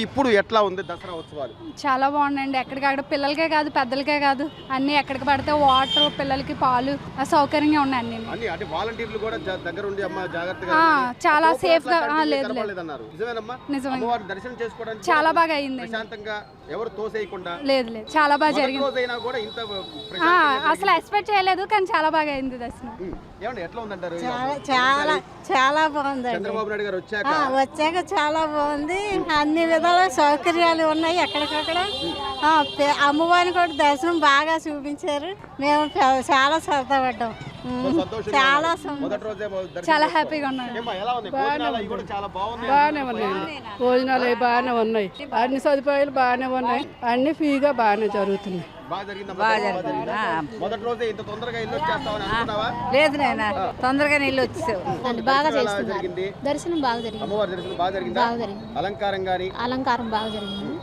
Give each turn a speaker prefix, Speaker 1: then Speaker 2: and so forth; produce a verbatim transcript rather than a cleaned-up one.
Speaker 1: ఇప్పుడు ఎట్లా ఉంది దసరా ఉత్సవాలు?
Speaker 2: చాలా బాగుందండి. ఎక్కడికక్కడ పిల్లలకే కాదు పెద్దలకే కాదు అన్ని ఎక్కడికి పడితే వాటర్, పిల్లలకి పాలు సౌకర్యంగా ఉన్నాయి అన్ని.
Speaker 1: అన్ని అంటే వాలంటీర్లు కూడా జా- దగ్గర ఉండి అమ్మ జాగ్రత్తగా
Speaker 2: ఆ,
Speaker 1: ఉండండి.
Speaker 2: చాలా
Speaker 1: లోపల
Speaker 2: సేఫ్ గా
Speaker 1: అట్లా
Speaker 2: ఆ, లేదు లేదు
Speaker 1: కనపడలేదన్నారు. నిజమేనమ్మా?
Speaker 2: నిజమే.
Speaker 1: అమ్మవారిని దర్శనం చేసుకోవడానికి
Speaker 2: చాలా
Speaker 1: కూడా
Speaker 2: బాగా అయింది.
Speaker 1: ప్రశాంతంగా ఎవరు తోసేయకుండా
Speaker 2: లేదు లేదు చాలా బాగా
Speaker 1: మొదటి
Speaker 2: జరిగింది.
Speaker 1: రోజైనా కూడా ఇంత
Speaker 2: ఆ,
Speaker 1: ప్రశాంతంగా
Speaker 2: అసలు ఎక్స్పెక్ట్ చేయలేదు కానీ చాలా బాగా అయింది దర్శనం.
Speaker 1: ఉమ్. ఏమండి ఎట్లా ఉందంటారు?
Speaker 3: చాలా చాలా చాలా బాగుందండి.
Speaker 1: చంద్రబాబు నాయుడు గారు వచ్చాక
Speaker 3: ఆ, వచ్చాక చాలా బాగుంది. అన్ని విధాల సౌకర్యాలు ఉన్నాయి ఎక్కడికక్కడ. ఆ, పే- అమ్మవారిని కూడా దర్శనం బాగా చూపించారు. మేము చా- చాలా సరదా పడ్డాం. ఉమ్,
Speaker 1: సంతోషంగా
Speaker 3: చాలా
Speaker 1: ఉన్నారు.
Speaker 3: సం-
Speaker 1: మొదటి రోజే దర్శనం
Speaker 2: చాలా
Speaker 1: చేసుకోవాలి.
Speaker 2: హ్యాపీగా ఉన్నాను.
Speaker 1: ఏమ్మా, ఎలా ఉంది? భోజనాలు అవి కూడా చాలా బాగున్నాయి.
Speaker 4: బాగానే ఉన్నాయండి. భోజనాలు అవి బాగానే ఉన్నాయి. అన్ని సదుపాయాలు బాగానే ఉన్నాయి. అన్ని ఫ్రీగా బాగానే జరుగుతున్నాయి.
Speaker 1: బాగా జరిగిందమ్మా? బాగా జరిగిందా? మొదటి రోజే ఇంత తొందరగా ఇల్లు వచ్చేస్తామని అనుకున్నావా?
Speaker 5: లేదు నాయన తొందరగా నీళ్ళు వచ్చేసావు.
Speaker 6: బాగా
Speaker 1: ఎలా
Speaker 6: చేస్తున్నారు.
Speaker 1: జరిగింది?
Speaker 6: దర్శనం బాగా జరిగింది.
Speaker 1: అమ్మవారి దర్శనం బాగా జరిగిందా?
Speaker 6: బాగా జరిగింది.
Speaker 1: అలంకారం గాని
Speaker 6: అలంకారం బాగా జరిగింది.